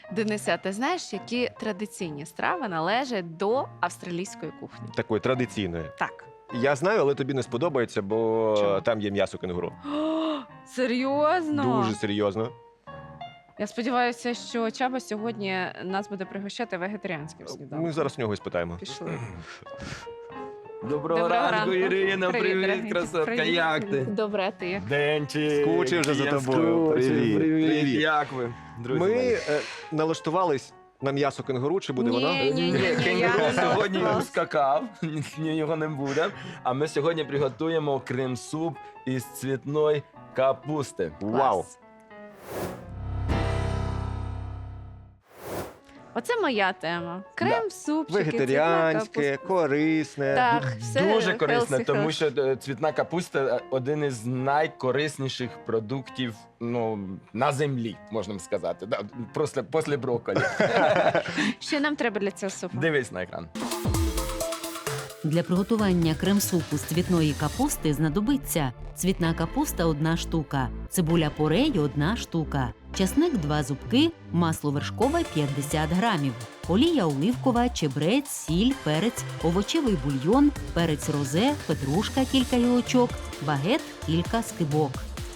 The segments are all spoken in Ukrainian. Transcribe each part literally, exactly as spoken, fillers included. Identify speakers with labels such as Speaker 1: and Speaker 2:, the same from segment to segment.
Speaker 1: Денисе, а ти знаєш, які традиційні страви належать до австралійської кухні?
Speaker 2: Такої традиційної.
Speaker 1: Так.
Speaker 2: Я знаю, але тобі не сподобається, бо
Speaker 1: Чому?
Speaker 2: там є м'ясо кенгуру.
Speaker 1: О, серйозно?
Speaker 2: Дуже серйозно.
Speaker 1: Я сподіваюся, що Чаба сьогодні нас буде пригощати вегетаріанським сніданком.
Speaker 2: Ми зараз в нього і спитаємо.
Speaker 1: Пішли.
Speaker 3: Доброго,
Speaker 1: Доброго
Speaker 3: ранку,
Speaker 1: ранку.
Speaker 3: Ірина.
Speaker 1: Привіт,
Speaker 3: Привіт,
Speaker 1: дорогенький.
Speaker 3: красотка.
Speaker 1: Привіт.
Speaker 3: Як ти?
Speaker 1: Добре, а ти як?
Speaker 3: Денчик.
Speaker 2: Скучив вже за
Speaker 3: Я
Speaker 2: тобою.
Speaker 3: скучив.
Speaker 2: Привіт.
Speaker 3: Привіт.
Speaker 2: Привіт.
Speaker 3: Як ви, друзі?
Speaker 2: Ми
Speaker 3: мої?
Speaker 2: е, налаштувались на м'ясо кенгуру, чи буде
Speaker 1: Ні.
Speaker 2: воно?
Speaker 1: ні, ні, я
Speaker 3: Кенгуру
Speaker 1: не
Speaker 3: сьогодні
Speaker 1: налаштувалась.
Speaker 3: ускакав, ні, його не буде. А ми сьогодні приготуємо крем-суп із цвітної капусти.
Speaker 2: Вау!
Speaker 1: Клас. Оце моя тема. Крем, супчики,
Speaker 2: Вегетаріанське,
Speaker 1: цвітна капуста.
Speaker 2: корисне.
Speaker 1: Так, все
Speaker 3: Дуже корисно,
Speaker 1: healthy,
Speaker 3: тому
Speaker 1: healthy.
Speaker 3: що е, цвітна капуста е, один із найкорисніших продуктів ну, на землі, можна сказати. Да, просто після брокколі.
Speaker 1: Що нам треба для цього супу?
Speaker 3: Дивись на екран.
Speaker 4: Для приготування крем-супу з цвітної капусти знадобиться цвітна капуста – одна штука, цибуля порей – одна штука, часник – два зубки, масло вершкове – п'ятдесят грамів, олія оливкова, чебрець, сіль, перець, овочевий бульйон, перець розе, петрушка – кілька гілочок, багет – кілька скибок.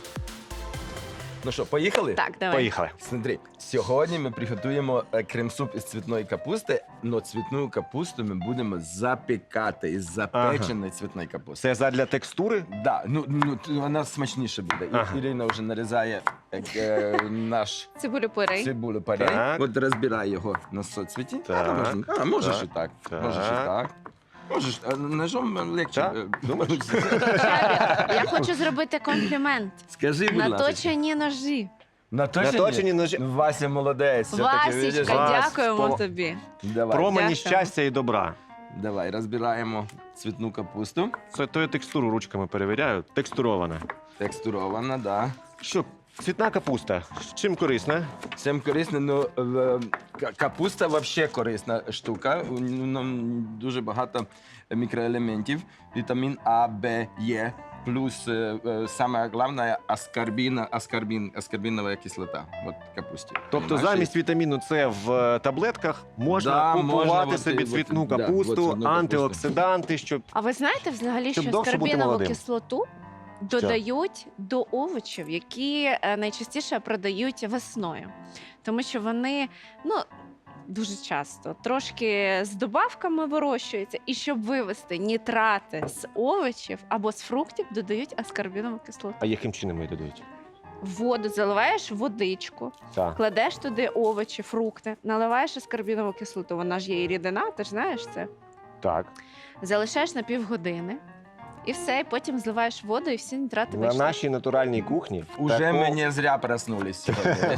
Speaker 3: Ну що, поїхали?
Speaker 1: Так, давай.
Speaker 2: Поїхали.
Speaker 3: Смотри, сьогодні ми приготуємо е, крем-суп із цвітної капусти, але цвітну капусту ми будемо запікати із запеченої цвітної капусти.
Speaker 2: Це задля текстури?
Speaker 3: Да, ну, ну т- вона смачніше буде. І
Speaker 2: Ага.
Speaker 3: Ірина вже нарізає е, е, наш
Speaker 1: Цибулю порей.
Speaker 3: цибулю парей.
Speaker 2: Так.
Speaker 3: От розбирай його на соцвіті.
Speaker 2: Так.
Speaker 3: А, можна- а, можеш
Speaker 2: Так.
Speaker 3: і так.
Speaker 2: Так.
Speaker 3: Можеш і так. Можеш, а ножом легче.
Speaker 2: Так?
Speaker 3: е,
Speaker 2: Думаєш?
Speaker 1: Чабі, я хочу зробити комплімент.
Speaker 3: Скажи, будь ласка.
Speaker 1: Наточені ножі.
Speaker 3: Наточені?
Speaker 2: Наточені ножі.
Speaker 3: Вася молодець. все-таки, видиш?
Speaker 1: Васічка,
Speaker 2: Вас
Speaker 1: дякуємо
Speaker 2: по-
Speaker 1: тобі.
Speaker 3: Давай.
Speaker 2: Промені
Speaker 1: Дякую.
Speaker 2: щастя і добра.
Speaker 3: Давай, розбираємо цвітну капусту.
Speaker 2: Це то я текстуру ручками перевіряю. Текстурована.
Speaker 3: Текстурована, да.
Speaker 2: Що, цвітна капуста? Чим корисна?
Speaker 3: Всім корисно, ну в- ка- капуста взагалі корисна штука. У ньому дуже багато мікроелементів. Вітамін А, Б, Е. Плюс е, е, саме головне аскорбіна, аскорбін, аскорбінова кислота. От в капусті.
Speaker 2: Тобто
Speaker 3: Нашій.
Speaker 2: замість вітаміну С в е, таблетках можна
Speaker 3: Да,
Speaker 2: купувати
Speaker 3: можна от
Speaker 2: собі
Speaker 3: і-
Speaker 2: цвітну
Speaker 3: от, да,
Speaker 2: капусту,
Speaker 3: от цвітну капусту.
Speaker 2: антиоксиданти, щоб
Speaker 1: А ви знаєте взагалі,
Speaker 2: Щоб
Speaker 1: що
Speaker 2: довше бути
Speaker 1: скарбінову
Speaker 2: молодим.
Speaker 1: кислоту додають до овочів, які е, найчастіше продають весною. Тому що вони, ну, дуже часто трошки з добавками вирощуються, і щоб вивести нітрати з овочів або з фруктів, додають аскорбінову кислоту.
Speaker 2: а яким чином її додають?
Speaker 1: Воду заливаєш в водичку,
Speaker 2: Так.
Speaker 1: кладеш туди овочі, фрукти, наливаєш аскорбінову кислоту, вона ж є і рідина, ти ж знаєш це.
Speaker 2: Так.
Speaker 1: Залишаєш на півгодини. І все, і потім зливаєш воду, і всі нітрати
Speaker 2: На
Speaker 1: вийшли.
Speaker 2: нашій натуральній кухні
Speaker 3: Уже
Speaker 2: тако-
Speaker 3: ми не зря проснулись сьогодні.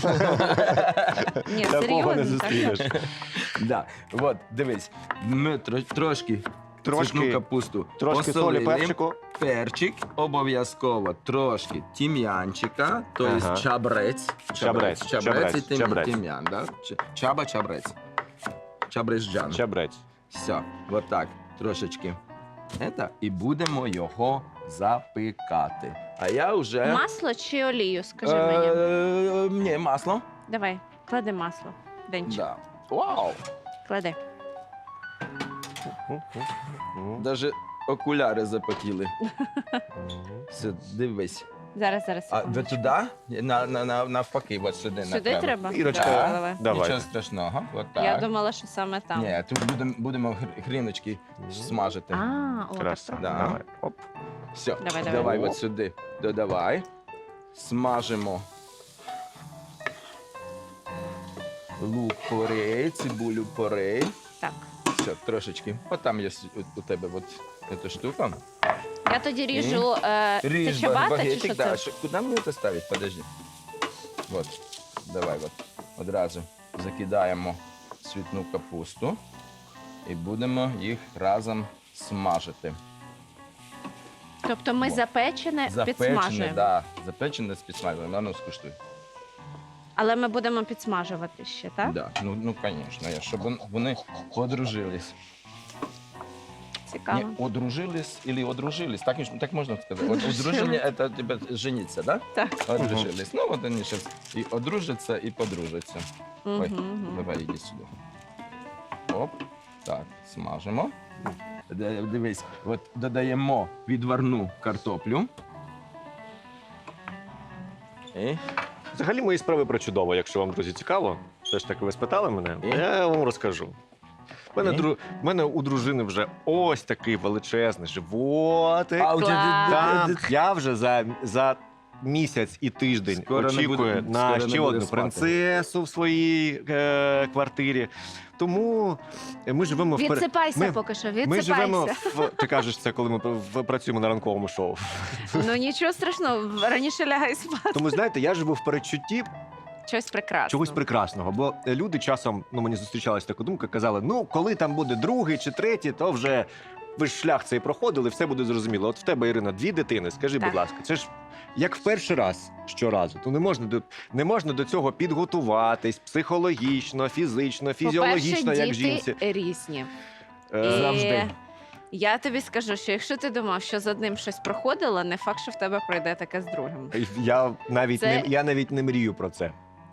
Speaker 1: Ні,
Speaker 2: такого не
Speaker 1: серйозно, так.
Speaker 2: зустрінеш.
Speaker 3: Да. От, дивись, ми тро- трошки
Speaker 2: Трошки-
Speaker 3: цвітну капусту
Speaker 2: Трошки солі,
Speaker 3: посолили.
Speaker 2: перчику.
Speaker 3: Перчик, обов'язково трошки тім'янчика, тобто
Speaker 2: Ага.
Speaker 3: чабрець.
Speaker 2: Чабрець,
Speaker 3: Чабрець,
Speaker 2: чабрець,
Speaker 3: і тим-
Speaker 2: чабрець.
Speaker 3: тім'ян, да? Ч- Чаба, чабрець. Чабрецьджан.
Speaker 2: Чабрець.
Speaker 3: Все, от так, трошечки. Это, і будемо його запікати. А я вже...
Speaker 1: Масло чи олію, скажи мені.
Speaker 3: Е, Ні, масло.
Speaker 1: Давай, клади масло. Денчик,
Speaker 3: Да. Вау!
Speaker 1: клади.
Speaker 3: Даже окуляри запотіли. Все, дивись.
Speaker 1: Зараз, зараз.
Speaker 3: А ви
Speaker 1: секундочку.
Speaker 3: туди? На, на, на, навпаки, от сюди.
Speaker 1: Сюди
Speaker 3: направо.
Speaker 1: треба?
Speaker 2: Ірочка,
Speaker 1: Давай, давай.
Speaker 2: Давай.
Speaker 3: Нічого страшного. От так.
Speaker 1: Я думала, що саме там.
Speaker 3: Ні, тут будемо, будемо гр- гріночки смажити.
Speaker 1: А, о,
Speaker 2: Краса.
Speaker 1: так.
Speaker 3: Да.
Speaker 2: Давай. Оп.
Speaker 3: Все,
Speaker 1: Давай, давай.
Speaker 3: давай
Speaker 2: О.
Speaker 3: от сюди додавай. Смажимо лук порей, цибулю порей.
Speaker 1: Так.
Speaker 3: Все, трошечки. От там є с- у, у тебе от ця штука.
Speaker 1: Я тоді ріжу. Е, це
Speaker 3: Ріж
Speaker 1: чабата чи
Speaker 3: багетик,
Speaker 1: що
Speaker 3: да.
Speaker 1: це?
Speaker 3: Що- Куди мені це ставити? Подожди. От, давай от. Одразу закидаємо цвітну капусту і будемо їх разом смажити.
Speaker 1: Тобто ми
Speaker 3: О.
Speaker 1: запечене
Speaker 3: Запечене,
Speaker 1: підсмажуємо.
Speaker 3: да, запечене з підсмаженням. Ну, скуштуй.
Speaker 1: Але ми будемо підсмажувати ще, так?
Speaker 3: Да. Ну, ну, звісно, щоб вон- вони подружились.
Speaker 1: Цікаво. цікаво.
Speaker 3: Не, одружились или одружились, так, ніж- так можна сказати. От
Speaker 1: Одружились.
Speaker 3: одруження – це тебе жениться, да?
Speaker 1: Так.
Speaker 3: Одружились. Ну, от вони зараз і одружаться, і подружаться. Ой,
Speaker 1: Мгм.
Speaker 3: давай, іди сюди. Оп, так, смажимо. Д- Дивись, от додаємо відварну картоплю. І
Speaker 2: Взагалі мої справи про чудово, якщо вам, друзі, цікаво. Все ж таки, ви спитали мене,
Speaker 3: І?
Speaker 2: я вам розкажу. В мене,
Speaker 3: І?
Speaker 2: дру... в мене у дружини вже ось такий величезний животик.
Speaker 3: А, у тебе-
Speaker 1: Клас.
Speaker 2: Так, я вже за, за місяць і тиждень
Speaker 3: Скоро не
Speaker 2: очікую
Speaker 3: буде-
Speaker 2: на
Speaker 3: скоро не
Speaker 2: ще
Speaker 3: буде
Speaker 2: одну
Speaker 3: спати.
Speaker 2: принцесу в своїй е, квартирі. Тому ми живемо в пер-
Speaker 1: Відсипайся
Speaker 2: ми-
Speaker 1: поки що,
Speaker 2: Ми живемо
Speaker 1: відсипайся.
Speaker 2: в ти кажеш це, коли ми в- працюємо на ранковому шоу.
Speaker 1: Ну нічого страшного, раніше лягай спати.
Speaker 2: Тому знаєте, я живу в передчутті
Speaker 1: Щось прекрасне.
Speaker 2: чогось прекрасного. Бо люди часом, ну мені зустрічалася така думка, казали: ну коли там буде другий чи третій, то вже ви ж шлях цей проходили, все буде зрозуміло. От в тебе, Ірина, дві дитини. Скажи,
Speaker 1: Так.
Speaker 2: будь ласка, це ж як в перший раз щоразу. То не можна до не можна до цього підготуватись психологічно, фізично, фізіологічно,
Speaker 1: По-перше,
Speaker 2: як
Speaker 1: діти
Speaker 2: жінці.
Speaker 1: різні.
Speaker 2: Е,
Speaker 1: І
Speaker 3: Завжди.
Speaker 1: Я тобі скажу, що якщо ти думав, що з одним щось проходило, не факт, що в тебе пройде таке з другим.
Speaker 2: Я навіть
Speaker 1: Це-
Speaker 2: не я навіть не мрію про це.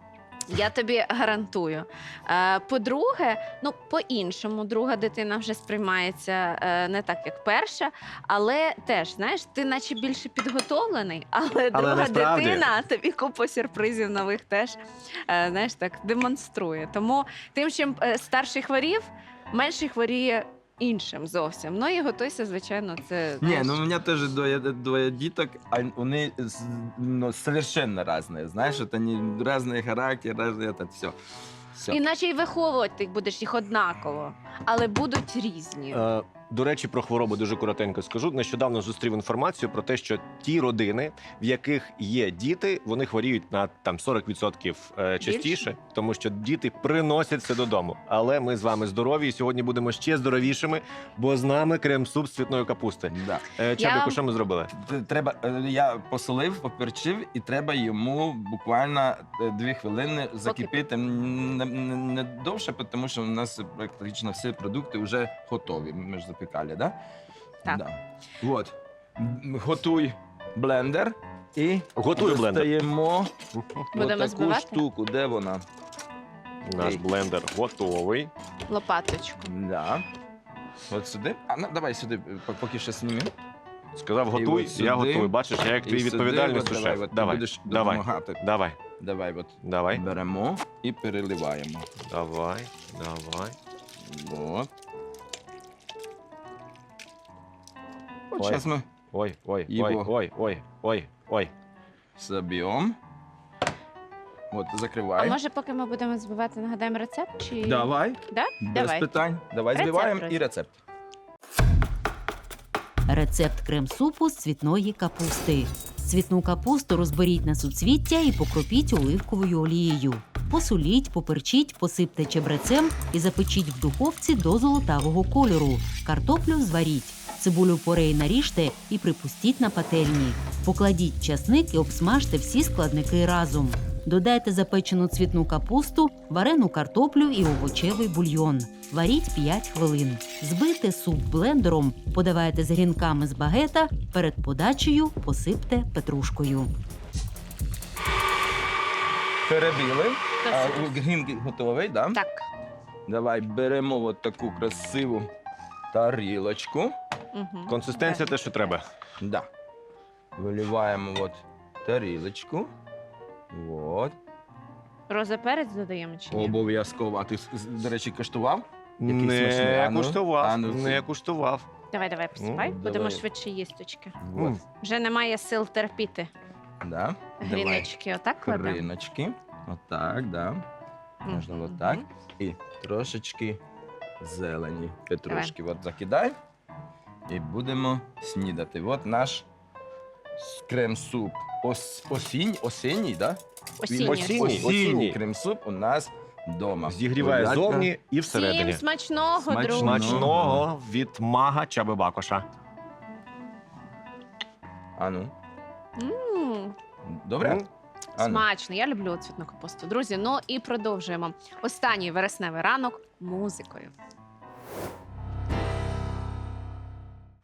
Speaker 1: Я тобі гарантую. Е, По-друге, ну по-іншому, друга дитина вже сприймається е, не так, як перша, але теж, знаєш, ти наче більше підготовлений, але, друга
Speaker 2: насправді-
Speaker 1: дитина тобі купу сюрпризів нових теж е, знаєш, так демонструє. Тому тим, чим е, старший хворів, менший хворіє іншим зовсім. Ну і готуйся, звичайно, це
Speaker 3: Ні,
Speaker 1: знаєш,
Speaker 3: ну у мене теж двоє, двоє діток, а вони з- ну, совершенно різні. Знаєш, це не різний характер, різний, це все. все.
Speaker 1: іначе й виховувати ти будеш їх однаково, але будуть різні.
Speaker 2: Е, До речі, про хворобу дуже коротенько скажу. Нещодавно зустрів інформацію про те, що ті родини, в яких є діти, вони хворіють на там сорок відсотків е, частіше,
Speaker 1: Більше?
Speaker 2: тому що діти приносять це додому. Але ми з вами здорові і сьогодні будемо ще здоровішими, бо з нами крем-суп з цвітної капусти.
Speaker 3: Да.
Speaker 2: Е, Чабіку,
Speaker 1: вам-
Speaker 2: що ми зробили?
Speaker 3: Т- Треба, е, я посолив, поперчив, і треба йому буквально е, дві хвилини закипіти. М, Не, не, не довше, тому що у нас практично всі продукти вже готові. Ми ж запікали, да?
Speaker 1: Так.
Speaker 3: Да. От. М, Готуй блендер і
Speaker 2: Готую блендер.
Speaker 3: достаємо
Speaker 1: Будемо
Speaker 3: таку
Speaker 1: збивати?
Speaker 3: штуку. Де вона?
Speaker 2: Наш
Speaker 3: Ей.
Speaker 2: блендер готовий.
Speaker 1: Лопаточку.
Speaker 3: Да. От сюди. А ну, давай сюди, п- поки що знімі.
Speaker 2: Сказав,
Speaker 3: І
Speaker 2: готуй,
Speaker 3: от сюди,
Speaker 2: я готовий. Бачиш, я як
Speaker 3: І
Speaker 2: твій
Speaker 3: сюди,
Speaker 2: відповідальний
Speaker 3: от
Speaker 2: сушеф.
Speaker 3: Давай, от ти
Speaker 2: Давай,
Speaker 3: будеш
Speaker 2: давай,
Speaker 3: допомагати.
Speaker 2: давай,
Speaker 3: Давай, от
Speaker 2: давай,
Speaker 3: беремо і переливаємо.
Speaker 2: давай, давай.
Speaker 3: От. От
Speaker 2: Ой.
Speaker 3: зараз ми
Speaker 2: Ой, ой,
Speaker 3: Його.
Speaker 2: ой, ой, ой, ой, ой.
Speaker 3: заб'ємо. От,
Speaker 1: А
Speaker 3: закривай.
Speaker 1: може, поки ми будемо збивати, нагадаємо рецепт? Чи...
Speaker 3: Давай.
Speaker 1: Да?
Speaker 3: Без
Speaker 1: Давай.
Speaker 3: питань. Давай
Speaker 1: Рецепт,
Speaker 3: збиваємо
Speaker 1: друзі.
Speaker 3: і рецепт.
Speaker 4: Рецепт крем-супу з цвітної капусти. Цвітну капусту розберіть на суцвіття і покропіть оливковою олією. Посоліть, поперчіть, посипте чебрецем і запечіть в духовці до золотавого кольору. Картоплю зваріть. Цибулю порей наріжте і припустіть на пательні. Покладіть часник і обсмажте всі складники разом. Додайте запечену цвітну капусту, варену картоплю і овочевий бульйон. Варіть п'ять хвилин. Збийте суп блендером, подавайте з грінками з багета, перед подачею посипте петрушкою.
Speaker 3: Перебили.
Speaker 1: Та
Speaker 3: А,
Speaker 1: супер.
Speaker 3: Грінки готовий, да?
Speaker 1: Так.
Speaker 3: Давай беремо от таку красиву тарілочку.
Speaker 1: Угу.
Speaker 2: Консистенція те, що треба.
Speaker 3: Да. Виливаємо от тарілочку. От.
Speaker 1: Роза перець додаємо чи ні?
Speaker 3: Обов'язково. А ти, з- до речі, куштував? Який смачний.
Speaker 2: Не
Speaker 3: А ну,
Speaker 2: куштував,
Speaker 3: а ну,
Speaker 2: не
Speaker 3: це-
Speaker 2: куштував.
Speaker 1: Давай, давай, посипай.
Speaker 3: Ну,
Speaker 1: Будемо
Speaker 3: давай.
Speaker 1: швидше їсточки.
Speaker 3: От.
Speaker 2: М.
Speaker 1: Вже немає сил терпіти.
Speaker 3: Да.
Speaker 1: Гріночки, отак кладемо?
Speaker 3: Криночки. Отак, да. Можна
Speaker 1: Мгм.
Speaker 3: отак. І трошечки зелені петрушки. От закидай. І будемо снідати. От наш крем-суп. Ос, осінь, осінній, да?
Speaker 1: Осінній.
Speaker 2: Осінній.
Speaker 3: осінній
Speaker 2: осінній.
Speaker 3: крем-суп у нас вдома.
Speaker 2: Зігріває
Speaker 3: Будь ласка.
Speaker 2: зовні і всередині.
Speaker 1: Всім смачного,
Speaker 3: Смачного.
Speaker 1: друзі.
Speaker 2: Смачного від мага Чаби Бакоша.
Speaker 3: А ну,
Speaker 1: М,
Speaker 3: добре?
Speaker 2: М.
Speaker 3: А ну.
Speaker 1: Смачно, я люблю цвітну капусту. Друзі, ну і продовжуємо. Останній вересневий ранок музикою.